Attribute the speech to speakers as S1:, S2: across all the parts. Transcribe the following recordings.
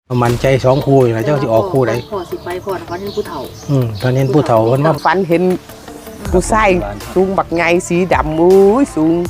S1: มันใจสองคู่นะเจ้าที่ออกคู่ไหน
S2: พ่อสิไปพ่อเขาเห็นผู้เฒ่า
S1: ตอนเห็นผู้เฒ่าคนว่า
S3: ฝันเห็นผู้ชายสูงบักไงสีดำอุ้ยสูง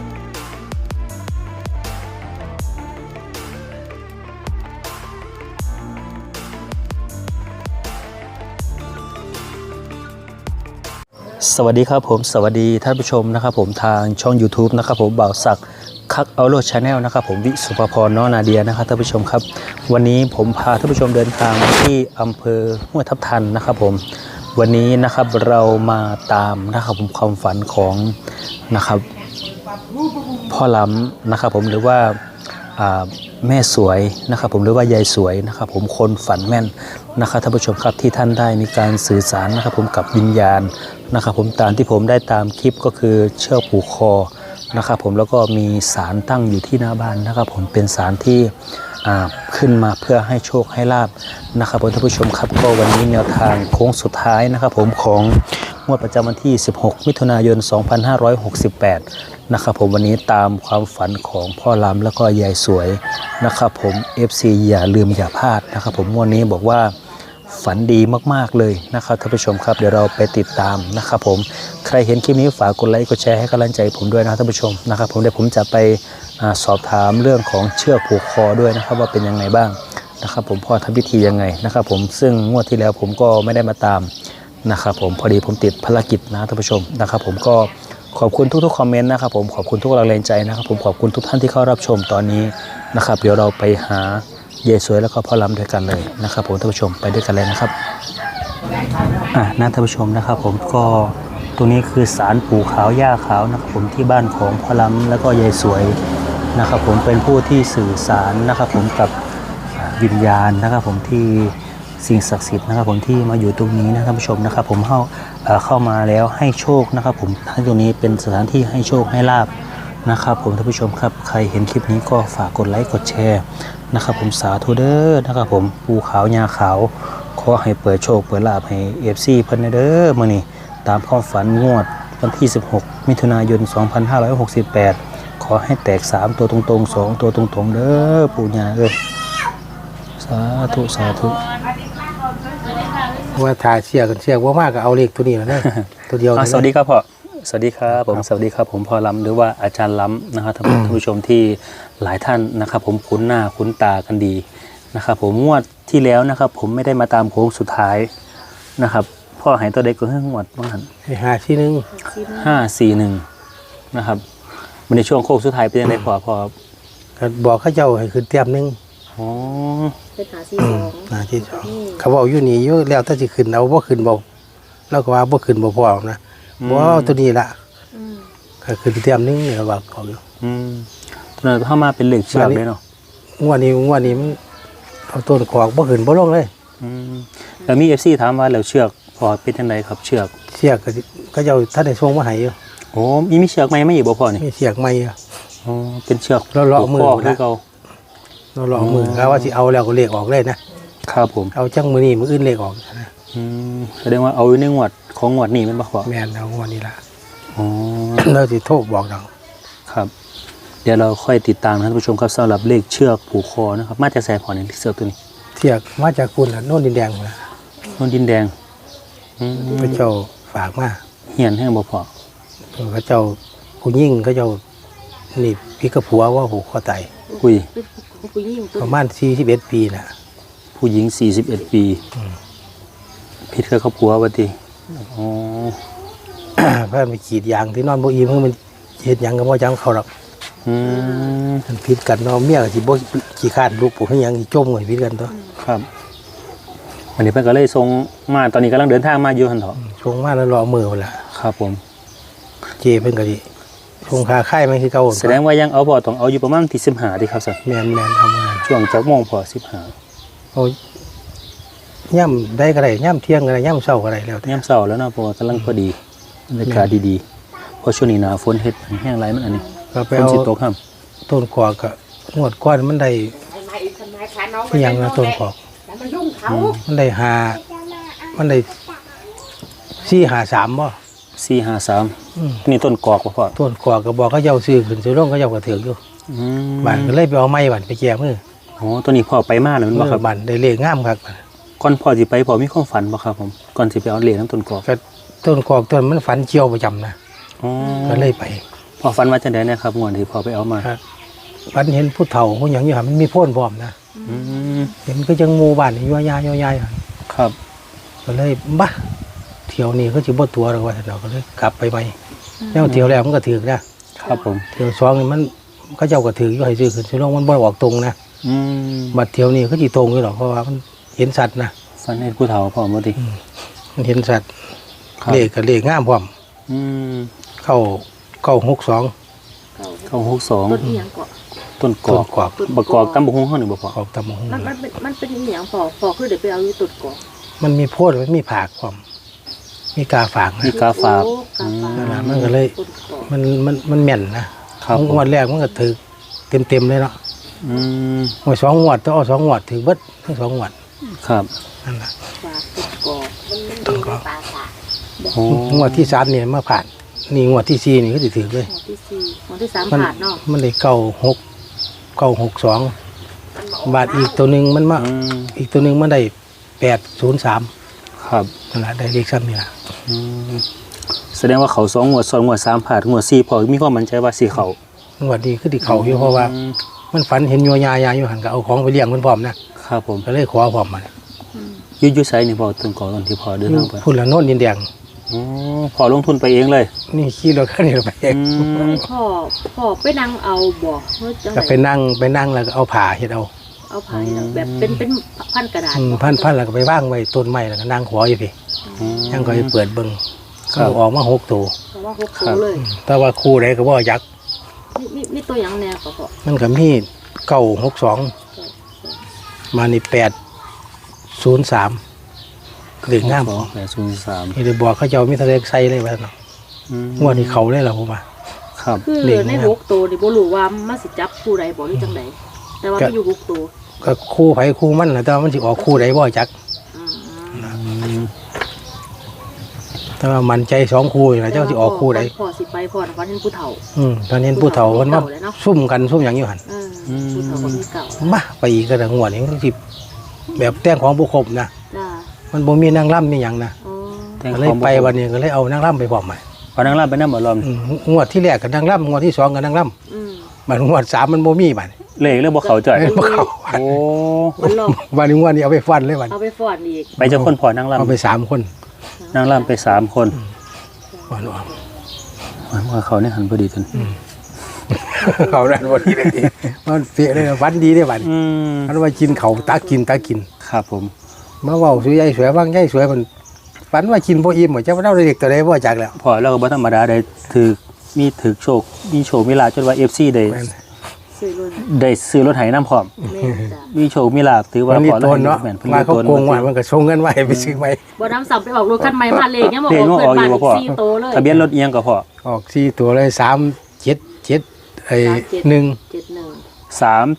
S4: สวัสดีครับผมสวัสดีท่านผู้ชมนะครับผมทางช่อง YouTube นะครับผมบ่าวศักดิ์คักเอาโลดชาแนลนะครับผมวิสุภพรน้องนาเดียนะครับท่านผู้ชมครับวันนี้ผมพาท่านผู้ชมเดินทางที่อำเภอห้วยทับทันนะครับผมวันนี้นะครับเรามาตามนะครับผมความฝันของนะครับพ่อล้ำนะครับผมหรือว่าแม่สวยนะครับผมหรือว่ายายสวยนะครับผมคนฝันแม่นนะครับท่านผู้ชมครับที่ท่านได้มีการสื่อสารนะครับผมกับวิญญาณนะครับผมตามที่ผมได้ตามคลิปก็คือเชือกผูกคอนะครับผมแล้วก็มีศาลตั้งอยู่ที่หน้าบ้านนะครับผมเป็นศาลที่ขึ้นมาเพื่อให้โชคให้ลาบนะครับท่านผู้ชมครับก็วันนี้แนวทางโค้งสุดท้ายนะครับผมของงวดประจำวันที่16มิถุนายน2568นะครับผมวันนี้ตามความฝันของพ่อล้ำแล้วก็ยายสวยนะครับผม FC อย่าลืมอย่าพลาดนะครับผมวันนี้บอกว่าฝันดีมากๆเลยนะครับท่านผู้ชมครับเดี๋ยวเราไปติดตามนะครับผมใครเห็นคลิปนี้ฝากกดไลค์กดแชร์ให้กำลังใจผมด้วยนะท่านผู้ชมนะครับผมเดี๋ยวผมจะไปสอบถามเรื่องของเชือกผูกคอด้วยนะครับว่าเป็นยังไงบ้างนะครับผมพ่อทำพิธียังไงนะครับผมซึ่งงวดที่แล้วผมก็ไม่ได้มาตามนะครับผมพอดีผมติดภารกิจนะท่านผู้ชมนะครับผมก็ขอบคุณทุกๆคอมเมนต์นะครับผมขอบคุณทุกแรงใจนะครับผมขอบคุณทุกท่านที่เข้ารับชมตอนนี้นะครับเดี๋ยวเราไปหายายสวยแล้วก็พ่อล้ำด้วยกันเลยนะครับผมท่านผู้ชมไปด้วยกันเลยนะครับนะท่านผู้ชมนะครับผมก็ตรงนี้คือศาลปู่ขาวย่าขาวนะครับผมที่บ้านของพ่อล้ำแล้วก็ยายสวยนะครับผมเป็นผู้ที่สื่อสารนะครับผมกับวิญญาณนะครับผมที่สิ่งศักดิ์สิทธิ์นะครับผมที่มาอยู่ตรงนี้นะท่านผู้ชมนะครับผมเข้ามาแล้วให้โชคนะครับผมท่านตรงนี้เป็นสถานที่ให้โชคให้ลาบนะครับผมท่านผู้ชมครับใครเห็นคลิปนี้ก็ฝากกดไลค์กดแชร์นะครับผมสาธุเด้อนะครับผมปูขาวยาขาวขอให้เปิดโชคเปิดลาภให้ FC เพิ่นเด้อมื้อนี้ตามความฝันงวดวันที่16มิถุนายน2568ขอให้แตก3ตัวตรงๆ2ตัวตรงๆเด้อปู่ย่าเอ้ยสาธุสาธุ
S1: ว่าถ่ายเชือกกันเชือกว่ามากก็เอาเลขตัวนี้แล้วนะตัวเดียว
S4: สวัสดีครับพ่อสวัสดีครับผมสวัสดีครับผมพ่อล้ำหรือว่าอาจารย์ล้ำนะครับท่านผู้ชมที่หลายท่านนะครับผมคุ้นหน้าคุ้นตากันดีนะครับผมงวดที่แล้วนะครับผมไม่ได้มาตามโค้งสุดท้ายนะครับพ่อหายตัวเด็กก็เพิ่งงวดบ้าง541นะครับในช่วงโค้งสุดท้ายเป็นยังไงพ่อ
S1: บอกเขาเจ้าให้ขึ้นเตรียมนึง
S4: อ๋อ
S2: เป็นหาที่สอง
S1: เขาบอกอยู่นี่อยู่แล้วถ้าจะขึ้นเอาบ่ขึ้นบ่แล้วก็ว่าบ่ขึ้นบ่พอนะบ่ตัวนี้ละก็ขึ้นเตรียมนึงเนี่ยว่าเขาอยู่
S4: ตอนนั้นเข้ามาเป็นเหล็กเชือกเลยเนาะ
S1: งวดนี้มันเอาต้นขอกบ่ขึ้นบ่ลงเลย
S4: แล้วมี FC ถามว่าแล้วเชือกพอเป็นจังไดครับเชือก
S1: ก็เจ้าท่านได้ส่งมาให้อยู่
S4: โอ้มีเชือกใหม่มาอีกบ่พอนี่
S1: มีเชือกใหม่
S4: อ๋อเป็นเชือก
S1: เลาะมือ
S4: คือเก่า
S1: เลาะมือเขาว่าสิเอาแล้วก็เลขออกเลยนะครับ
S4: ผม
S1: เอาจังมื้อนี้มื้ออื่นเลขออกนะ
S4: แสดงว่าเอาอยู่ในงวดของงวดนี้แม่นบ่พ่อ
S1: แม่นเอางวดนี้ล่ะ
S4: อ๋อ
S1: เราสิโทรบอกเรา
S4: ครับเดี๋ยวเราค่อยติดตามท่านผู้ชมครับสำหรับเลขเชือกผูกคอนะครับมาจากแสพอนี่เชือกตัวนี้
S1: เชือกมาจากคุณล่ะโน่นดินแดงพุ่นล่ะ
S4: โน่นดินแดง
S1: พระเจ้าฝากมา
S4: เหียนให้บ่พ่อ
S1: พระเจ้าผู้ยิ่งพระเจ้านี่พี่กับผัวว่าผูกคอตายประมาณ41ปีน่ะ
S4: ผู้หญิง41ปีพิษกับครอบครัวว่าติอ๋อ
S1: เพิ่นไปขีดยางที่นอนบ่อิ่มมันเฮ็ดหยังก็บ่จำเขาหรอกมันผิดกันเนาะเมียก็สิบ่ขี้คร้านลูกผู้ให้หยังสิจมกันผิดกันตัว
S4: ครับวันนี้เพิ่นก็เลยส่งมาตอนนี้กำลังเดินทางมาอยู่หั่นเถาะ
S1: ส่งมาแล้วรอมื้อพุ่นล่ะ
S4: ครับผม
S1: เจเพิ่นก็สิส่งค่าค่ายมันคือเก่า
S4: แสดงว่ายังเอาบ่ต้องเอาอยู่ประมาณที่15ดิครับซั่น
S1: แม่นทำงาน
S4: ช่วงจักโมงพอ15
S1: โอ้ย่ำได้ก็ได้ย่ำเที่ยงก็ได้ย่ำเช้าก็ได้แล้ว
S4: ย่ำเช้าแล้วเนาะเพราะว่ากำลังพอดีบรรยากาศดีๆเพราะช่วงนี้หน้าฝนเฮ็ดแห้งไรมันอันนี้ฝนสิตกครับ
S1: ต้นขอกก็งวดก้อนมันได้ยังนะต้นขอกมันได้มันได้453บ่
S4: 453นี่ต้นกอกบ่พ่อ
S1: ต้นกอกก็บอกเขาเจ้าซื้อขึ้นซื้อลงเขาเจ้าก็ถืออยู่บ้านก็เลยไปเอาไม้บ้านไปแก้มือ
S4: อ๋อตัวนี้พ่อไปมาแล้วมันบ่ครับ
S1: บ้านได้เลขงามครับ
S4: ก่อนพ่อสิไปพ่อมีความฝันบ่ครับผมก่อนสิไปเอาเหรียญน้ำต้นกอก
S1: ก็ต้นกอกต้นมันฝันเจียวประจำนะ
S4: อ๋อ
S1: ก็เลยไป
S4: พ่อฝันว่าจังได๋นะครับงวดที่พ่อไปเอามา
S1: ครับฝันเห็นผู้เฒ่าผู้หยังอยู่หั่นมันมีโพ่นพร้อมนะ
S4: อืม
S1: เห็นก็จังหมู่บ้านนี่ย่อยๆหั่น
S4: ครับ
S1: ก็เลยบ้าเที่ยวนี้ก็สิบ่ตัวหรอกว่าเราก็เลยกลับไปใหม่แล้วเที่ยวแรกมันก็ถึกนะครับ
S4: ผม
S1: เที่ยวสองนี่มันเขาเจ้าก็ถึกอยู่ให้ซื้อขึ้นสิลงมันบ่ออกตรงนะ
S4: อืม
S1: บัดเที่ยวนี้ก็สิตรงอยู่หรอกเพราะว่ามันเห็นสัตว์นะ
S4: ฝันเห็นผู้เฒ่าพ่อบ่ติ
S1: มันเห็นสัตว์
S4: ครับ
S1: เลขก็เลขงามพร้อม
S4: อืม
S1: เข้า62
S2: เก่า
S4: เข้า
S2: ต้นอีหยังเกาะ
S4: 62ต้นก
S1: ต้
S4: อน ก
S1: กอก
S4: บักกอกตำบักหุ่งเฮานี่บ่พ่อ
S1: ออกตามหง
S2: มันเป็นอีหยังพอคือเดี๋ยวไปเอาอยู่ตุดเกาะ
S1: มันมีโพดมันมีผากพร้อมมีกาฝากนะ
S4: มีกาฝาก
S2: โอ้กาฝาก
S1: นั่นล่ะมันก็เลย
S2: ตุดเกาะ
S1: มันแม่นนะครับ
S4: ผม
S1: งวดแรกมันก็ถึกเต็มเลยเนาะ
S4: อืม
S1: งวด2งวดต้องเอา2งวดถึกเบิดทั้ง2งวด
S4: ครับ
S1: นั่นล่ะ
S2: ฝากตุดเกาะ
S1: ต้นกอก
S4: โอ้
S1: งวดที่3เนี่ยมาผ่านนี่งวดที่4นี่ก็สิถึกเลย
S2: หมวดที่สี่หมวดที่สาม
S1: มัน
S2: ผ่านเนาะ
S1: มันได้962บาทอีกตัวหนึงมันมา
S4: อืม
S1: อีกตัวหนึงมันได้803
S4: ครับ
S1: นั่นล่ะได้เลขซ้ำนี่ล่ะ
S4: อืมแสดงว่าเขา2งวด2งวด3ผ่านงวด4พ่อมีความมั่นใจว่าสิเข้าง
S1: วดนี้คือที่เขาอยู่เพราะว่า
S4: อืม
S1: มันฝันเห็นโยยายาอยู่หันก็เอาของไปเลี้ยงมันพร้อมนะครับ
S4: ผม
S1: ก็เลยขอพร้อมมัน
S4: อยู่ไสนี่พ่อต้นกอกตอนที่พ่อเดินทางไป
S1: พูดละโน่นดินแดง
S4: อ๋อพ่อลงทุนไปเองเลย
S1: นี่ขี่รถคันนี้ไปเอง
S4: อืม
S2: พ่อไปนั่งเอาบ่เฮ้ยจัง
S1: ก็
S2: ได
S1: ไปนั่งแล้วก็เอาผ้าเฮ็ดเอา
S2: เอาไผ่นะแบบเป็นพันกระดาษ
S1: พันแล้วก็ไปวางไว้ต้นไม้แล้วก็นั่งขออยู่พี่
S4: อืม
S1: ยังก็ไปเปิดเบิ่ง
S4: ครั
S1: ก็
S4: บ
S1: ออกมา6ตัว
S2: เพราะว่าหกตัวเลย
S1: แต่ว่าคู่ใดก็บ่ยักษ์
S2: นี่ตัวหยังแนวก็พอ
S1: มันก็มี962มานี่803เลขงาม
S4: 803
S1: นี่ได้บอกเขาเจ้ามีทะเลใส่เลยว่าเนาะ
S4: อืม
S1: งวดนี้เขาเลยล่ะผมว่า
S4: ครับ
S2: คือ
S1: เด็กนะ
S2: ในหกตัวนี่บ่รู้ว่ามันสิจับคู่ใดบ่หรือจังไดแต่ว่ามันอยู่หกตัว
S1: ก็คู่ไผคู่มันน่ะแต่ว่ามันสิออกคู่ใดบ่จัก
S2: อืม
S4: อืม
S1: แต่ว่ามันใจ2คู่นี่ล่ะเจ้าสิออกคู่ใด
S2: พ่อสิไปพ่อนะวันนี้ผู้เฒ่า
S1: ตอนนี้ผู้เฒ่ามันมาซุ่มกันซุ่มหยังอยู่หั่น
S2: ผู้เฒ่าคนที่เก่า
S1: มาไปอีกก็ได้งวดนี้มันสิแบบแต่งของบ่ครบนะ
S2: จ้า
S1: มันบ่มีนางร่ำมีหยังนะ
S2: อ๋อ
S4: แต่ง
S1: ก็
S4: ข
S1: เลย
S4: อง
S1: ไปวันนี้ก็เลยเอานางร่ำไปพร้อมมา
S4: พอนางรับไปนำบ่รอบ
S1: งวดที่แรกก็นางร่ำงวดที่2ก็นางร่
S2: อืม
S1: ำบัดงวด3มันบ่มีบัด
S4: เลขเรื่องบ่เข้าใจ
S1: บ่เข้า
S4: โอ้
S2: มันหลอก
S1: บัดนี้งวดนี้เอาไปฟันเลยบัด
S2: เอาไปฟ้อนอีก
S4: ไปเจ้าคนพอนางรับ
S1: เอาไป3คน
S4: นางรับไป3คน
S1: ฟันออก
S4: ว่าเขาเนี่ยหันพอดีทัน
S1: เขานั่นบ่ดีเลยมันเฟียเลยฟันดีเด้บัด
S4: อืม
S1: มันว่ากินเขาตากิน
S4: ครับผม
S1: มาเว้าสวยใหญ่สวยฟังใหญ่สวยมันฝันว่ากินบ่อิ่มเจ้าว่าเราเด็กตัวใดบ่จักแล้ว
S4: พอเราก็บ่ธรรมดาได้ถือโชคมีโชคมีลาภจนว่า FC ได้
S1: แม่น
S2: ซื้อรุ่น
S4: ได้ซื้อรถไถน้ำพร้อม
S2: แม่จ้ะ
S4: มีโชคมีลาภถือว่า
S1: มันรี
S4: พ
S1: บ
S4: อ
S1: โตนเนาะ
S4: แม่นเพิ่น
S1: มา
S4: รีบ
S1: เขา
S4: โตน
S1: โกงว่ามันก็ส่งเงินไว้ให้ไปซื้อใหม่
S2: บ่น้ำสับไปออกรถคันใหม่มาเลขยังบ่
S4: เล
S2: อ
S4: ข
S2: อก
S4: มัน
S2: เกิ
S4: ออก
S2: ด
S4: อยู่
S2: มา
S4: บ่พอ
S2: 4ตัวเลย
S4: ทะเบียนรถเอียงก็พอ
S1: ออก4ตัวเลย377ไอ้1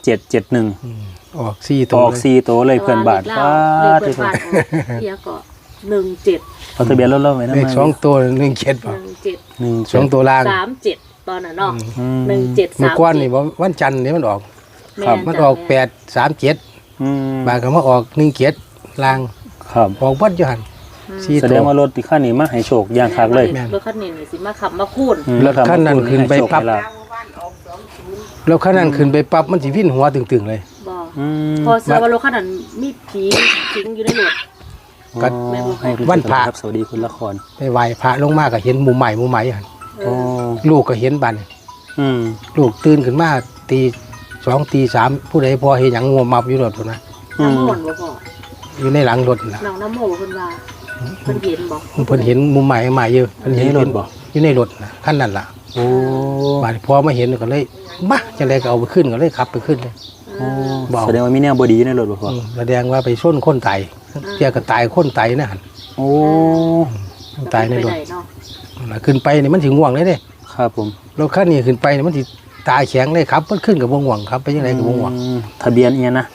S4: 3771
S1: ออก4ตัว
S4: ออก
S1: เลย
S4: 4ตัวเลยเพื่อนบ้าน
S2: ป้า
S4: ป้า
S2: ที่
S4: ที่
S2: เพื่อนบ้านเฮียก็17
S4: เอาทะเบียนรถเราไว้นำ
S1: เลข2ตัว17ป่ะ
S2: 17
S1: 2ตัวล่าง
S2: 37ตอนนั้นเนาะ
S4: อืม
S2: 17
S1: เมื่อก่อนนี่บ่วันจันทร์นี่มันออก
S2: 37
S1: มันออก837
S4: อืม
S1: บางก็มาออก17ล่าง
S4: ครับ
S1: ออกเบัดอยู่หั่น4
S4: แส
S1: ตั
S4: ด
S1: ว
S4: งว่ารถที่คันนี้มาให้โชคอย่างคักเลย
S1: แม่น
S2: รถคันนี้นี่สิมาขับมาคูน
S1: รถคันนั้นขึ้นไปปั๊บ
S4: ให้โชคให้ลาภ
S1: แล้วคันนั้นขึ้นไปปั๊บมันสิวิ่นหัวตึงๆเลย
S2: บ่
S4: อืม
S2: พอเสือว่ารถคันนั้นมีผีสิงอยู่ในรถ
S1: ก็
S4: ให้คุณ
S1: วันพระ
S4: ครับสวัสดีคุณละคร
S1: ไปไหว้พระลงมาก็เห็นหมู่ใหม่หั่น
S4: อ๋อ
S1: ลูกก็เห็นบัดนี้
S4: อืม
S1: ลูกตื่นขึ้นมาตี2ตี3ผู้ใดพอเห็นหยังงัวมับอยู่รถพุ่นนะ
S2: น้ำมนต์บ่พ่อ
S1: อยู่ในหลังรถน่ะ
S2: น้องน้ำโมเพิ่นว่าเพิ่นเห็นบ่
S1: เพิ่นเห็นมุมใหม่ใหม่อยู่เพิ่นเห็น
S4: ในรถบ่
S1: อยู่ในรถน่ะคันนั้นล่ะ
S4: โอ้
S1: บาดนี้พอมาเห็นก็เลยมาจังไดก็เอาไปขึ้นก็เลยขับไปขึ้นเลย บ่
S4: แสดงว่ามีแนวบดีในรถบ่พ่อ
S1: แสดงว่าไปชนคนตายเที่ยก็ตายคนตายนะหั่น
S4: โอ้
S1: ตายในรถ
S2: ไปได้เนาะ
S1: นั่นล่ะขึ้นไปนี่มันสิง่วงเลยเด้
S4: ครับผม
S1: รถคันนี้ขึ้นไปนี่มันสิตายแข็งเลยครับมันขึ้นกับบ่ง่วงครับไปจังไดก็บ่ง่วง
S4: อืมทะเบียนเอียนะ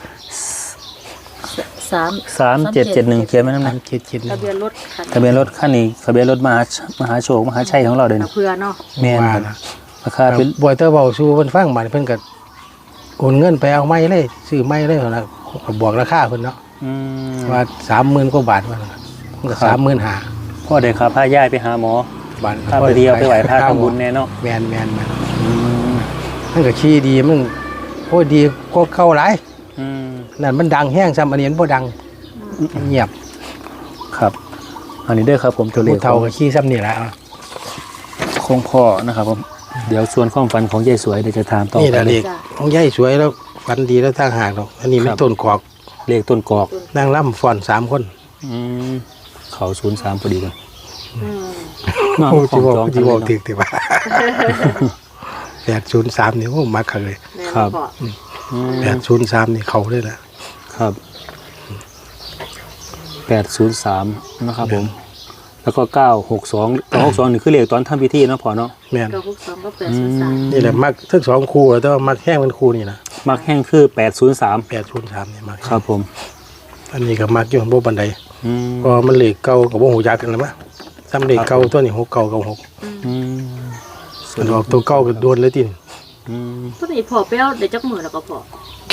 S4: 3771เขียนไว้นำ
S1: นั่
S4: นะ
S1: นคิด
S2: ทะเบียนรถคัน
S4: ทะเบียนรถคันนี้ทะเบียนรถมหาโชคมหาชัยของเราเด้อ
S2: เอา
S4: นี่
S2: เพื่อเนาะ
S4: แม่น
S1: ว่า
S4: ครับ
S1: นะ
S4: ราคาเป็น
S1: บ่อยเตอร์เว้าสู่เพิ่นฟังบาดนี้เพิ่นก็โอนเงินไปเอาไม้เลยซื้อไม้เลยนะบอกราคาเพิ่นเนาะว่า30,000 กว่าบาทว่ามันก็35,000
S4: พ่อได้พาย่ายไปหาหมอ
S1: บาท
S4: พาไปเดียวไปไหวพาทำบุญแน่เนาะ
S1: แม่นมันก็ขี้ดีมันโอ้ยดีก็เข้าหลายนั่นมันดังแห้งซ้ำอันนี้มันบ่ดังเงียบ
S4: ครับอันนี้เด้อครับผมตัวเลข
S1: ผู้เฒ่าก็ขี้ซ้ำนี่แหละ
S4: ของพ่อนะครับผมเดี๋ยวส่วนความฝันของยายสวยเดี๋ยวจะถามต่อ
S1: นี่แหละ
S4: ไป
S1: เด็กของยายสวยแล้วฝันดีแล้วทางหากดอกอันนี้มันต้นกอก
S4: เลขต้นกอก
S1: นางล่ำฟ้อน3 คน
S4: เขา03พอดีกัน
S1: โอ้ที่บอกถึกติว่า803นี่โอ้มักคักเลย
S4: ครับ
S1: 803นี่เขาเลยแหละ
S4: ครับ803นะครับผมแล้วก็962นี่คือเลขตอนทำพิธีเนาะพ่อเนาะ
S1: แม่น
S2: 962ก็803
S1: นี่แหละมักทั้ง2คู่แต่ว่ามักแห้งเป็นคู่นี่นะ
S4: มักแห้งคือ803
S1: 803นี่มัก
S4: ครับผม
S1: อันนี้ก็มักอยู่บ่บันไดเพราะมันเลขเก่ากับบ่ฮู้จักกันแล้วมั้ยซ้ำเลขเก่าตัวนี้6เก่ากับ6มันออกตัวเก่าก็โดนเลยติ
S2: ตัวนี้พอไปเอาได้จักมื้อแล้วก็พอ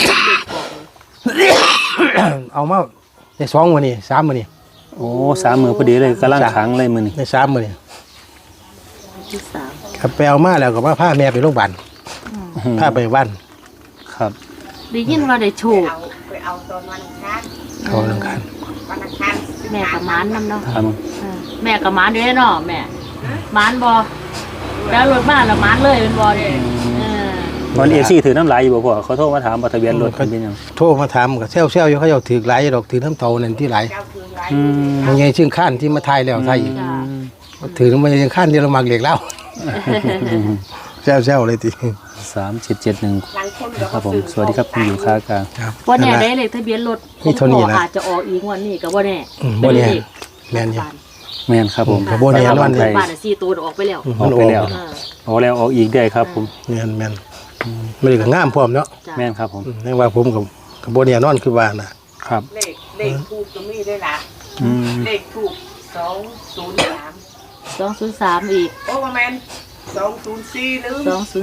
S1: เอามาใน2มื้อนี้3มื้อนี้
S4: โอ้3มื้อพอดีเลยกำลังขังเลยมื้อนี้
S1: ใน3มื้อนี้
S2: ที่3
S1: ครับไปเอามาแล้วก็มาพาแม่ไปโรงพยาบาลพาไปบ้าน
S4: ครับ
S2: ได้ยินว่าได้โชค
S3: ไปเอาตอนวันอังคาร
S1: เขาลังคัน
S3: วันอังคาร
S2: แม่กับหมานนำเนาะ
S4: ครับ
S2: แม่กับหมานเด้เนาะแม่หมานบ่แล้วรถมาแล้วหมานเลยเป็นบ่เด้
S4: วันเอซี่ถือน้ำลายอยู่บ่พ่อเขาโทรมาถามว่าทะเบียนรถเป็นยัง
S1: โทรมาถามก็แซวๆอยู่เขาเจ้าถือหลายดอกถือน้ำเตานั่นที่หลาย
S3: เจ้าคือไร
S1: บางไงชื่อข้านที่มาทายแล้วทายอีก
S2: จ้า
S1: ถือมายังข้านที่เรามักเหล็กแล้วแซวๆเลยติ
S4: 3771
S3: หลังคน
S4: ครับผมสวัสดีครับคุณอยู่ค้ากลาง
S1: ครับ
S2: บ่แน่ได้เลขทะเบียนรถ
S1: นี่เท่านี้นะ
S2: อาจจะออกอีกงวดนี้ก็บ่แน่
S1: บ่แน่แม่นอยู่
S4: แม่นครับผม
S1: ก็บ่แน่นอนเลย
S2: บ้าน4ตัวออกไปแล้ว
S4: ออกไปแล้วออกแล้วออกอีกได้ครับผม
S1: แม่นไม่ได้ก็งามพร้อมเนาะ
S4: แม่นครับผม
S1: นั่นว่าผมกับโบเนียนอนคือว่านะครับ
S3: เลขถูกก็มีด้วยล่ะเลขถูก203
S2: 203อีก
S3: โอ้ประมาณ204ลืม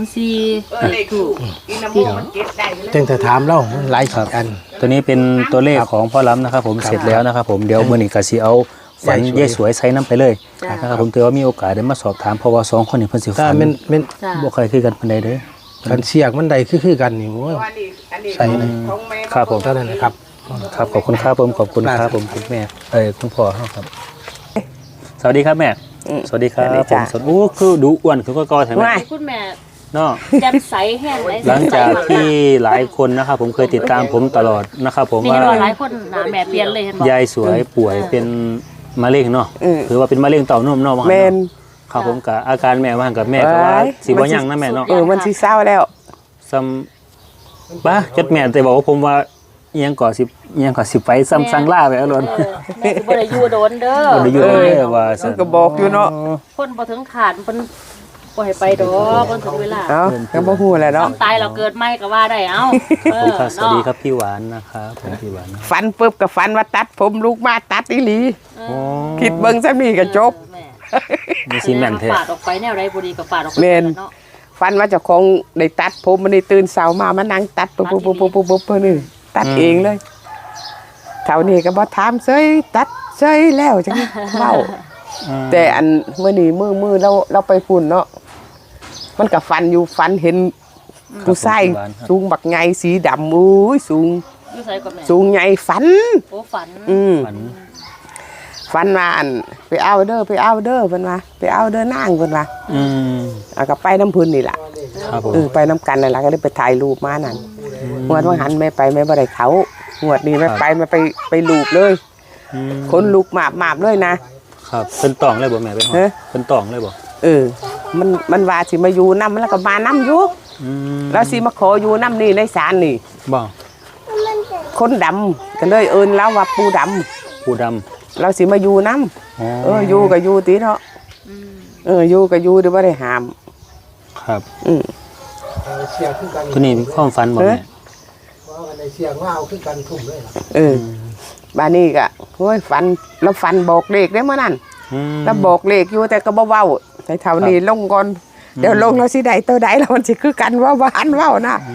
S2: 204
S3: เลขถูกอินาโมมันเก็บได้เลย
S1: ตั้งแต่ถามเรามันหลายอัน
S4: ตัวนี้เป็นตัวเลขของพ่อล้ำนะครับผมเสร็จแล้วนะครับผมเดี๋ยวมื้อนี้ก็สิเอาฝันยายสวยใส่น้ำไปเลยนะครับผมถือว่ามีโอกาสได้มาสอบถามเพราะว่า2คนนี้เพิ่นสิ
S1: ถ้า
S4: ฝัน
S1: มัน
S2: จ้า
S4: บ่เคยคือกันปานใดเด้อ
S1: กันเสียกมันใดคือกันนี่โอ้ย
S3: อันนี้
S1: ใส่เลย
S3: ของแม่
S4: ครับผม
S1: เท่านั้นนะครับ
S4: ครับขอบคุณครับผมขอบคุณครับผมคุณแม่คุณพ่อครับสวัสดีครับแม่สวัสดีครับผมสวัสดีคือดูอ้วนคือก็ใช่ไหม
S2: คุณแม่
S4: เนาะ
S2: แจ่มใสแห้งไหล
S4: หลังจากที่หลายคนนะครับผมเคยติดตามผมตลอดนะครับผม
S2: นี่
S4: ว่า
S2: เห็นว่าหลายคนหน้าแม่เปลี่ยนเลยเห็นบ่
S4: ยายสวยป่วยเป็นมะเร็งเนาะถือว่าเป็นมะเร็งเต้านมเนาะ
S3: แมน
S4: ครับผมกับอาการแม่ว่ากับแม่ก็ว่าสิบ่ยังนะแม่เนาะ
S3: มันสิเศร้าแล้ว
S4: ซ้ำป้าจดแม่แต่บอกว่าผมว่าเอียงก่อสิไปซ้ำสังล่าไปเอาล้น
S2: แม่สิบ่ได้อยู่โดนเด้อ
S4: บ่ได้อยู่เลยว่า
S3: ซึ่งก็บอกอยู่เนาะ
S2: คนบ่ถึงขาดเพิ่นบ่ให้ไปดอกเพิ่นถึงเวลา
S3: เอ้าก็บ่ฮู้แหละเนาะ
S2: ต้องตายเราเกิดใหม่ก็ว่าได้เอ้า
S4: ผมครับสวัสดีครับพี่หวานนะครับผมพี่หวานนะ
S3: ฟันปุ๊บก็ฟันว่าตัดผมลูกมาตัดอีหลี
S4: โอ้
S3: คิดเบิ่งซะนี่ก็จบ
S2: แม่
S4: มีซีแมนแท้
S2: ปาดออกไปแนวใดบ่ดีก็ปาดออกไป
S3: แม่น
S2: เนาะ
S3: ฟันว่าเจ้าของได้ตัดผมมันได้ตื่นเช้ามานั่งตัดปุ๊บนี่ตัดเองเลยเท่านี้ก็บ่ถามเซยตัดเซยแล้วจังเว้าแต่อันมื้อนี้มื้อเราไปฝุ่นเนาะมันก็ฟันอยู่ฟันเห็นผู้ชายสูงบักใหญ่สีดำอุ้ยสูง
S2: อยู่ไสก็แม่
S3: สูงใหญ่ฝัน
S2: โอ้ฝัน
S4: ฝัน
S3: ฝันว่าอันไปเอาเด้อเพิ่นว่าไปเอาเด้อนางเพิ่นว่าก็ไปน้ำพื้นนี่ล่ะ
S4: ครับผม
S3: ไปน้ำกันนั่นล่ะก็ได้ไปถ่ายรูปมานั่นงวดว่าหันแม่ไปแม่บ่ได้เขางวดนี้แม่ไปรูปเลยคนลูกหมาบเลยนะครับ
S4: เป็นตองเลยบ่แม่เป็นหอเป็นตองเลยบ่
S3: มันว่าสิมาอยู่นำแล้วก็มานำอยู่แล้วสิมาขออยู่นำนี่ในศาลนี่
S4: บ่
S3: คนดำก็เลยเอิ้นแล้วว่าปูดำ
S4: ผู้ด
S3: เราสิมาอยู่นำ
S4: ำ
S3: อยู่ก็อยู่ติเนาะอยู่ก็อยู่เดี๋ยวบ่ได้ห้าม
S4: ครับ
S1: เสียคือกัน
S4: ตัวนี้มีความฝันบ่แม่
S1: ว่าในเสียงว่าเอาคือกันทุ่มเลย
S3: บ้านนี้ก็โอ้ยฝันแล้วฝันบอกเลขได้เมื่อนั้นแล้วบอกเลขอยู่แต่ก็บ่เว้าแต่เท่านี้ลงก่อนเดี๋ยวลงแล้วสิได้ตัวใดแล้วมันสิคือกันว่าบ่หันเว้านะ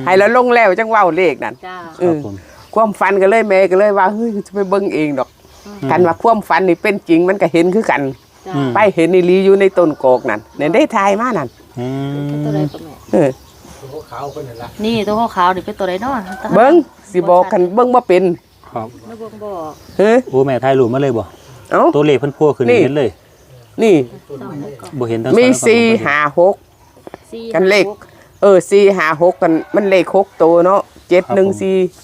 S3: ให้แล้วลงแล้วจังเว้าเลขนั่น
S2: จ้า
S3: เอ
S4: ครับ
S3: อ
S4: ผม
S3: ความฝันก็เลยแม่ก็เลยว่าเฮ้ยจะไปเบิ่งเองดอกกันว่าความฝันนี่เป็นจริงมันก็เห็นคือกัน
S2: จ้า
S3: ไปเห็นอีหลีอยู่ในต้นกอกนั่นเนี่ยได้ทายมานั่น
S4: อืม
S2: ตัวใดก็แม่
S3: เออ
S1: ขาวคนนั่นละ
S2: นี่ตัวขาวๆนี่เป็นตัวใดเนาะ
S3: เบิ่งสิบอกกันเบิ่งบ่เป็น
S4: ครับ
S2: แล้วเบิ่งบอก
S3: เฮ้ย
S4: โอ้แม่ถ่ายรูปมาเลยบ่
S3: เอ้า
S4: ตัวเลขเพิ่นพัวขึ้น
S3: นี่
S4: เห็นเลย
S3: นี่
S2: ต้องให้ก่อน
S4: บ่เห็นทั้ง
S3: มี
S4: สอง
S3: 4 5 6
S2: สี่
S3: กันเลข 4 5 6กันมันเลข6ตัวเนาะ7 1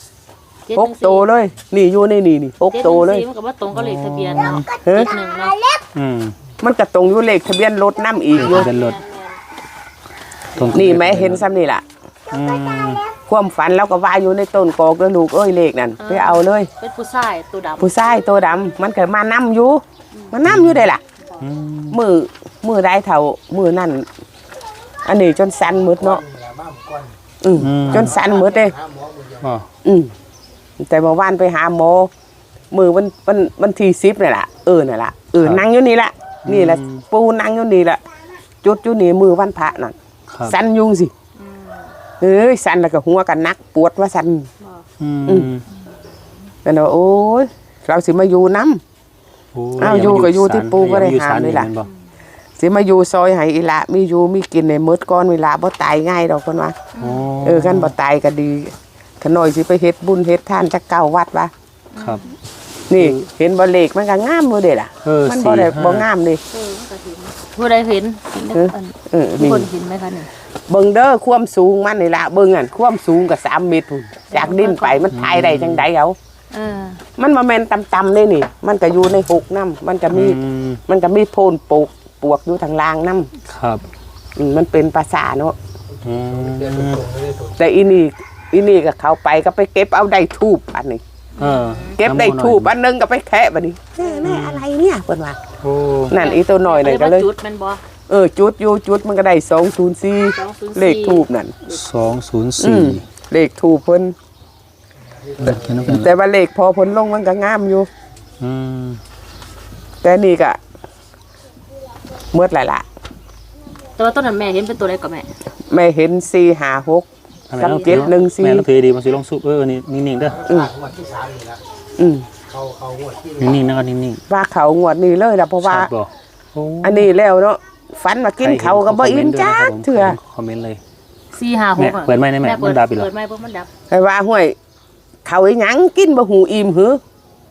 S3: 4 6ตัวเลย นี่อยู่ในนี่6ตัวเลย
S2: 714มันก็บ่ตรงกับเลขทะเบียนเนาะ
S3: เฮ้ย
S2: 71เนาะ
S4: อืม
S3: มันก็ตรงอยู่เลขทะเบียนรถนํอีกอยู่
S4: เป็นรถตรง
S3: นี่แม่เห็นซ้ำนี่ล่ะ
S4: อืม
S3: ความฝันเราก็ว่าอยู่ในต้นกอกแล้วลูกเอ้ยเลขนั่นไปเอาเลย
S2: เป็นผู้ชายตัวดำ
S3: ผู้ชายตัวดำมันก็มานํอยู่มันนํอยู่ได้ล่ะ
S4: อืม
S3: มือได้เท่ามือนั่นอันนี้จนสั่นหมดเนาะจนสั่นหมดเลย
S4: อ๋อ
S3: แต่เมื่อวานไปหาหมอมือวันที่10นี่แหละนี่นล่ะนั่งอยู่นี่ละนี่แหละปูนั่งอยู่นี่ละจุดอยู่นี่มือวันพระนั่น
S4: ครับ
S3: สั่นยุงสิเอ้ยสั่นแล้วก็หัวกันนักปวดว่าสั่น
S4: อืม
S3: นั่นว่าโอ้ยเราสิมาอยู่น้ำ
S4: โอ้
S3: อ้าวอยู่ก็อยู่ที่ปู่ก็ได้หาเลยล่ะ
S4: แม่นบ่
S3: สิมาอยู่ซอยให้อีละมีอยู่มีกินในมืดก้อนเวลาบ่ตายง่ายดอกเพิ่นว่า
S4: โอ้
S3: กันบ่ตายก็ดีขน่อยสิไปเฮ็ดบุญเฮ็ดทานจักเก้าวัดวะ
S4: ครับ
S3: นี่เห็นบ่เลขมันก็งามบ่เด้ล่ะ มันบ่ได้บ่งามนี่
S2: ผู้ใดเห็นเห็นได้อัน
S3: นี่
S2: คนเห็นไหมคะนี่
S3: เบิ่งเด้อความสูงมันนี่ล่ะเบิ่งอันความสูงก็3เมตรพุ่นจากดินไปมันถ่ายได้จังได๋เอา
S2: เออ
S3: มันบ่แม่นต่ำๆเลยนี่ มันก็อยู่ในหกน้ำมันก็มี
S4: อืม
S3: มันก็มีโพนปวกอยู่ทางล่างน้ำ
S4: ครับ
S3: มันเป็นภาษาเนาะ
S4: อืม
S3: แต่อีนี่ก็เข้าไปก็ไปเก็บเอาได้ทูบอันนี้
S4: เออ
S3: เก็บได้ทูบอันนึงก็ไปแคะบัดนี้แม่อะไรเนี่ยเพิ่นว่า
S4: โอ้
S3: นั่นอีตัวน้อยนั่นก็เลย
S2: จุดแมันบ่
S3: จุดอยู่จุดมันก็ได้204เลขทูบนั่น
S4: 204
S3: เลขทูบเพิ่น
S4: เขียนเอากัน
S3: แต่ว่าเลขพอเพิ่นลงมันก็งามอยู่
S4: อืม
S3: แต่นี่ก็หมดแล้วล่ะ
S2: แต่ว่าต้นนั้นแม่เห็นเป็นตัวใดก็แม่
S3: แม่เห็น456กับ
S4: แม่น้อง
S3: 714
S4: ถือดีมันสิลงสุนี่นิ่งๆเด้อ
S1: วันที่3นี่ละ
S3: อืม
S1: เขางวดที่
S4: นิ่งๆนะครับนิ่ง
S3: ว่าเขางวดนี้เลยล่ะเพราะ
S4: ๆ
S3: ว่า
S4: ชัดบ่โอ้
S3: อันนี้แล้วเนาะฝันว่ากินเขาวก็บ่อิ่มจักเถื่อ
S4: คอมเมนต์เลย
S2: 456
S4: แม่เปิดไมค์ได้ไหม
S2: เปิ
S4: มันดับอีกเหรอ
S2: เปิดไมค์บ่มันดับ
S3: แต่ว่าห้วยเขาอีหยังกินบ่หูอิ่มหือ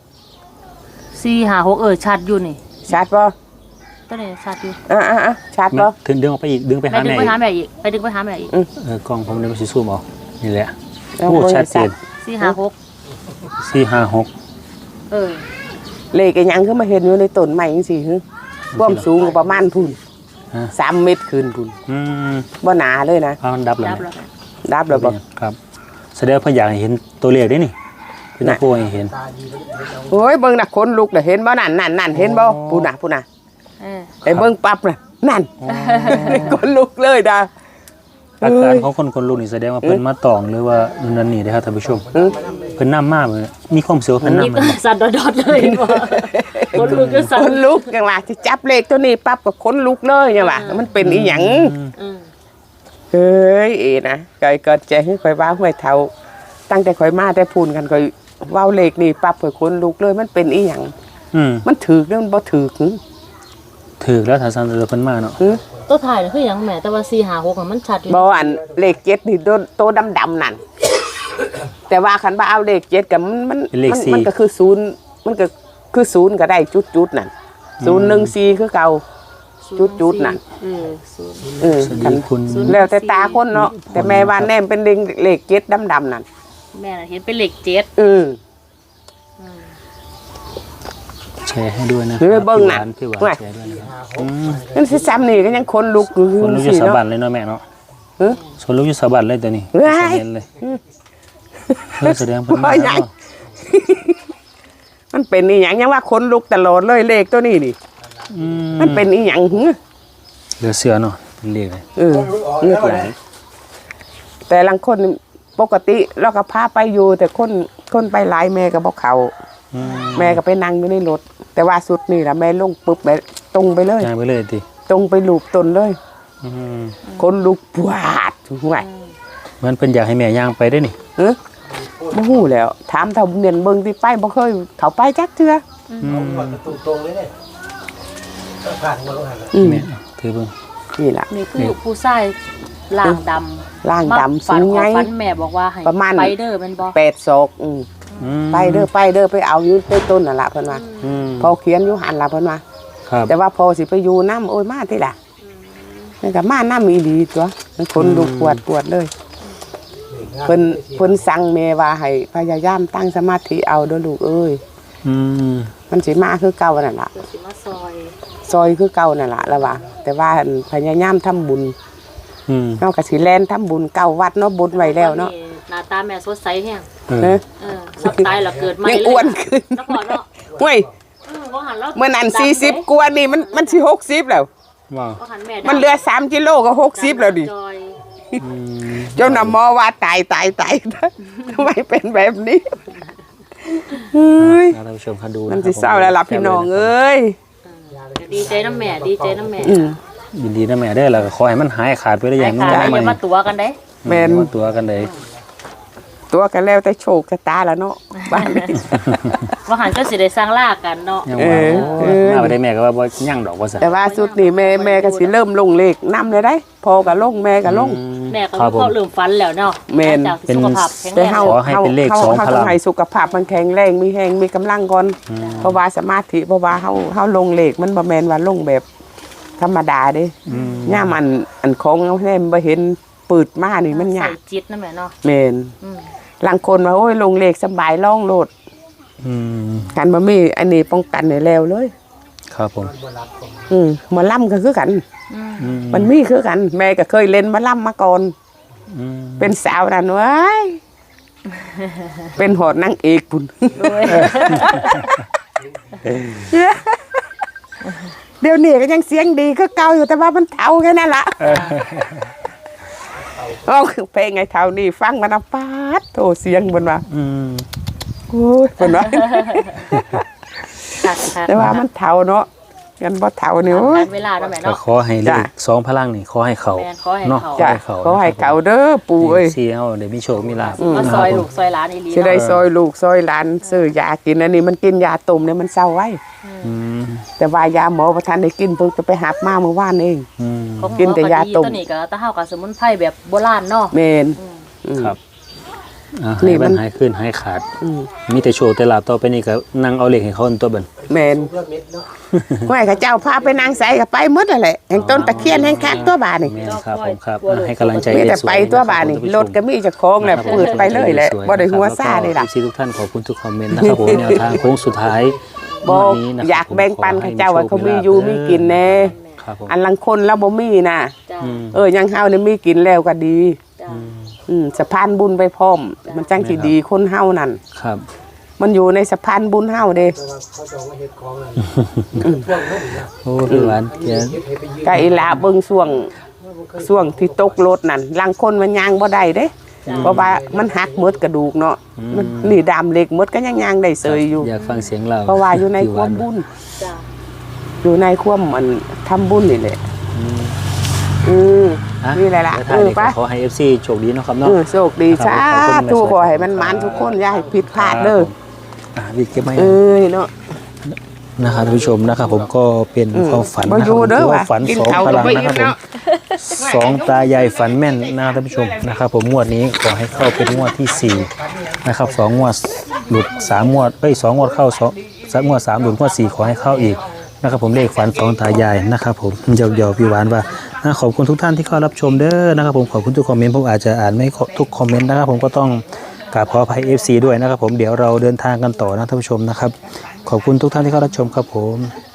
S2: 456ชัดอยู่นี่
S3: ชัดบ่
S2: ตัวนี้ชัดอยู่
S3: ชัดบ่
S4: ถึงดึงออกไปอีกดึงไป
S2: ไป
S4: หา
S2: ดึง
S4: แม่
S2: ไป
S4: อีก
S2: หาแม่อีกไปดึงไปหาแม่อีก
S4: กล้องผมเนี่ยมันสิซูมเอานี่แหละ
S3: เอา
S4: โอ้
S3: บ่
S4: ชัดเจน
S2: 456
S4: 456
S2: เออ
S3: เลขอีหยังคือมาเห็นอยู่ในต้นไม้จังซี่หือความสูงก็ประมาณพุ่น
S4: ฮะ
S3: 3 เมตรขึ้นพุ่น
S4: อืม
S3: บ่หนาเลยนะ
S4: เอามันดับแล้ว
S2: ดับ
S4: แม่
S2: แล้ว
S3: ดับแล้วบ่
S4: ครับแสดงว่าเพิ่นอยากให้เห็นตัวเลขได้นี่เพิ่นจะโพให้เห็น
S3: โอ้ยเบิ่งน่ะคนลุกน่ะเห็นบ่นั่นเห็นบ่พุ่นน่ะ
S2: เออ
S3: ไอ้เบิ่งปั๊บน่ะนั่นคนลุกเลยดา
S4: อาการของคนลุกนี่แสดงว่าเพิ่นมาตองหรือว่านั่นนี่เด้อครับท่านผู้ชมเพิ่นนำมาเลยมีความเสียวเพิ่น
S2: นี่
S4: นำ
S2: ก็
S4: มา
S2: สั่นดอดๆเลยบ่คนลุกก็สั่
S3: คน นลุกจังว่าสิจับเลขตัวนี้ปั๊บก็คนลุกเลยจังว่ามันเป็นอีหยัง
S2: อืม
S3: เฮ้ยนะก็ใจให้ข่อยว่าห้วยเท่าตั้งแต่ข่อยมาแต่พูนกันข่อยเว้าเลขนี่ปั๊บข่อยคนลุกเลยมันเป็นอีหยัง
S4: อืม
S3: มันถูกหรือมันบ่ถูกหึ
S4: ถูกแล้วถ้าซั่นเพิ่นมาเนาะ
S2: ตัวถ่ายน่ะคือหยังแม่แต่ว่า456น่ะมันชัดอยู่
S3: บ่อันเลข7นี่โตดำๆนั่นแต่ว่าคันว่าเอาเลข7ก็มันก็คือ0มันก็คือ0ก็ได้จุดๆนั่น014คือเก่าจุดๆนั่น
S2: เออ
S4: สวัส
S3: คัน
S4: ดีคุณ
S3: แล้วแต่ตาคนเนาะแต่แม่ว่าแนมเป็นเลข7ดำๆนั่น
S2: แม่น่ะเห็นเป็นเลข7
S4: แชร์ให้ด้วยนะ
S3: เฮ้ยเบิ่งน่ะ
S4: พี่หวานแชร์ด้วยนะครับอืม
S3: นั่นสิซ้ำนี่ก็ยังคนลุกอยู่
S4: คนลูกอยู่
S3: สิ
S4: สะ
S3: เนาะ
S4: บัดเลยเนาะแม่เนาะ
S3: เฮ้ย
S4: ส่วนลูกอยู่สะบัดเลยตัวนี้
S3: เฮ้ย
S4: เห็นเลยแสดงเพิ่นมา
S3: ว่าหยัง
S4: เนาะ
S3: มันเป็นอีหยังยังว่าคนลุกตลอดเลยเลขตัวนี้นี่
S4: อื
S3: มันเป็นอีหยังหึ
S4: เหลือเสือเนาะเป็นเลขเลย
S3: เงือกไหลแต่ลังคนปกติเราก็พาไปอยู่ แต่คนไปหลายแม่ก็บอกเขา
S4: อืม
S3: แม่ก็ไปนั่งอยู่ในรถแต่ว่าสุดนี่ละแม่ลงปุ๊บแม่ตรงไปเลย
S4: ย้ายไปเลยติ
S3: ตรงไปลูบตนเลย
S4: อืม
S3: คนลุกปวาดห่วย
S4: มันเป็นอยากให้แม่ย่างไปได้นี่
S3: บ่ฮู้แล้วถามเท่าเนียนเบิ่งที่ไปบ่เคยเขาไปจักเทื่อ
S1: เอาก่อนประตูตรงเลยเนี่ยผ่านมาแล้วหัน
S4: แม่ถือเบิ่ง
S3: นี่ล่ะ
S2: นี่คือผู้ชายล่างดำ
S3: ร่างดำ
S2: ฝั
S3: สู
S2: น
S3: ง
S2: ข
S3: ให
S2: อ
S3: ญ่
S2: ฝันแม่บอกว่าให้
S3: ประมาณ
S2: ไปเด้อแม่นบ่
S3: 8ศอกไปเด้อไปเอาอยู่ใต้ต้นนั่นล่ะเพิ่นว่าพอเขียนอยู่หันล่ะเพิ่นว่า
S4: ครับ
S3: แต่ว่าพอสิไปอยู่น้ำโอ้ยมาที่ล่ะนี่ก็มาน้ำอีหลีตัวมันคนดูปวดเลยเพิ่นสั่งแม่ว่าให้พยายามตั้งสมาธิเอาเด้อลูกเอ้ยมันสิมาคือเก่านั่นล่ะ
S2: เดี๋ยวสิมาซอย
S3: ซอยคือเก่านั่นล่ะแล้วว่าแต่ว่าพยายามทำบุญเฮาก็สิแล่นทำบุญเก่าวัดเนาะบุญไว้แล้วเนาะ
S2: หน้าตาแม่สดใสแฮง
S3: เนอะ
S2: สับตายแล้วเกิดใหม่
S3: ยัง
S2: เลย
S3: อ้วนขึ้น
S2: แล้วพอเนาะ
S3: เว้ย
S2: บ่หันแล้ว
S3: เมื่อนั้น40กว่านี่มันสิ60แล้ว
S4: ว้าว
S2: บ่หันแม่
S3: มันเหลือ3กิโลก็60แล้วดิ
S2: จอย
S3: เจ้าน่ะหมอว่าตายทำไมเป็นแบบนี้เฮ้ย
S4: ท่านผู้ชมคะดู
S3: มันสิเศร้าแล้วล่ะพี่น้องเอ้ย
S2: ดีใจน้ำแม่ดีใจน้ำแม่
S4: ยินดีนะแม่เด้อแล้วก็ขอให้มันหายขาดไปได้อย่าง
S2: ค่ะ
S4: น้อย
S2: อย่า
S4: ใหม่
S2: มาตัวกันเด้
S3: แม่น
S4: มาตัวกันเลย
S3: ตัวกันแล้วแต่โชคชะตาแล้วเนาะบ้านนี้
S2: ว่าหันก็สิได้สร้างลากกันเนาะ
S4: ยังว่ามาไปได้แม่ก็ว่าบ่ยั่งดอกว่าซะ
S3: แต่ว่าสุดนี่แม่ก็สิเริ่มลงเลขนำเลยได้พอก็ลงแม่ก็ลง
S2: แม่ก็มีข้อลืมฟันแล้วเนาะ
S3: แม่น
S2: จากสุขภาพแข็ง
S3: แต่
S2: แรง
S3: เฮา
S4: ขอให้เป็นเลขสองพลัง
S3: ต้องให้สุขภาพมันแข็งแรงมีแรงมีกำลังก่อนเพราะว่าสมาธิเพราะว่าเฮาลงเลขมันบ่แม่นว่าลงแบบธรรมดาเด้ย่ามอันของเอาแน่บ่เห็นปืดมานี่มันยา
S2: ใส่
S3: ก
S2: จิตนะแม่เนาะ
S3: แม่นบางคนว่าโอ้ยลงเลขสบายล่องโลดกันบ่มีอันนี้ป้องกันให้แล้วเลย
S4: ครับผม
S3: หมอลำก็คือกัน มันมีคือกัน แม่ก็เคยเล่นหมอลำมาก่อนเป็นสาวนั่นเว้ยเป็นหอดนางเอกพุ่นเดี๋ยวนี้ก็ยังเสียงดีก็เก่าอยู่แต่ว่ามันเท่าแค่นั้นละอ๋อเพลงไงเท่านี่ฟังมันปาดโตเสียงบนว่าโอ้ยบนว่าแต่ว่ามันเท่าเนาะกันบ่เท่านี่โอ้ย
S2: เวลาเนาะแม่
S4: ก็
S2: เนาะ
S4: ขอให้เลขสองพลังนี่ขอให้เขา
S2: แม่ขอให้
S4: เนาะ
S2: เขา
S3: จ้ะขอให้เก่าเด้อปู่เอ้ย
S4: สิเฮาได้มีโชคมีลาภ
S2: มาซอยลูกซอยหลานอีหลี
S3: สิได้ซอยลูกซอยหลานซื้อยากินอันนี้มันกินยาต้มเนี่ยมันเศร้าไว้แต่ว่ายาหมอประทานได้กินเพิ่งจะไปหาบมาเมื่อวานเอง กินแต่ยาต้ม
S2: ตัวนี้ก็ตะเฮากับสมุนไพรแบบโบราณเนาะ
S3: เมน
S4: ครับ
S3: นี่
S4: นี่
S3: มั
S4: มัน นหายขึ้นหายขาด มีแต่โชว์แต่ลาบต่อไปนี่ก็นั่งเอาเหล็กให้เขาตัวเบิ่น
S3: เมนห้วยข้าเจ้าพาไปนางใสกับไปหมดอะไรแห่งต้นตะเคียนแห่งคักตัวบานี่
S4: แม่นครับผมครับให้กำลังใจ
S3: มีแต่
S4: สวย
S3: ไปตัวบานี่รถก็มีเจะคล้าของแหละเปิดไปเลยแหละบ่ได้หัวซ่าเลยล่ะ
S4: ทุกท่านขอบคุณทุกคอมเมนต์นะครับผมแนวทางโค้งสุดท้าย
S3: บอก
S4: วันนี้นะครับ
S3: อยากแบ่งปันข้าเจ้าว่าเขามีอยู่มีกินแน่
S4: ครับผม
S3: อันลังคนแล้วบ่มีน่ะ
S2: จ้ะ
S3: ยังเฮานี่มีกินแล้วก็ดี
S2: จ้ะ
S3: สะพานบุญไปพร้อม มันจังสิดีคนเฮานั่น
S4: ครับ
S3: มันอยู่ในสะพานบุญเฮาเด้
S1: เขาจะมาเฮ็ดของนั่นช่วงนั้นนะ
S4: โอ้พี่หวานเกียน
S3: กะอีหลาเบิ่งช่วงที่ตกรถนั่นลังคนมันย่างบ่ได้เด้เพราะว่ามันหักหมดกระดูกเนาะมันนี่ดามเหล็กหมดก็ยังย่างได้เสยอยู่
S4: อยากฟังเสียงเรา
S3: เพราะว่าอยู่ในความบุญ
S2: จ้ะ
S3: อยู่ในความมันทำบุญนี่แหละนี่แหละล่ะ
S4: แล้วท้ายนี้
S3: ไป
S4: ก็ขอให้ FC โชคดีเนาะครับเนาะ
S3: โชคดีสาธุขอให้มันหมานทุกคนอย่าให้ผิดพลาดเด้อ
S4: วิกเก็บไว้
S3: เนาะ
S4: นะครับท่านผู้ชมนะครับผมก็เป็นความฝัน
S3: บ่
S4: นะค
S3: อ
S4: รับ
S3: ยู่
S4: ผม
S3: เด้อ
S4: ถือว่า
S3: ว่ะ
S4: ฝัน
S3: กิน
S4: สอง
S3: ข้าว
S4: พ
S3: ก็
S4: ลัง
S3: บ่
S4: นะ
S3: อิ่
S4: ครับผม
S3: มเนาะ
S4: สองตายายฝันแม่นนะครับท่านผู้ชมนะครับผมงวดนี้ขอให้เข้าเป็นงวดที่สี่นะครับสองงวดหลุดสามงวดสองงวดเข้าสองงวดสามหลุดงวดสี่ขอให้เข้าอีกนะครับผมเลขฝันสองตายายนะครับผมหยอกๆพี่หวานว่าขอบคุณทุกท่านที่เข้ารับชมเด้อนะครับผมขอบคุณทุกคอมเมนต์ผมอาจจะอ่านไม่ทุกคอมเมนต์นะครับผมก็ต้องกราบขออภัย FC ด้วยนะครับผมเดี๋ยวเราเดินทางกันต่อนะท่านผู้ชมนะครับขอบคุณทุกท่านที่เข้ารับชมครับผม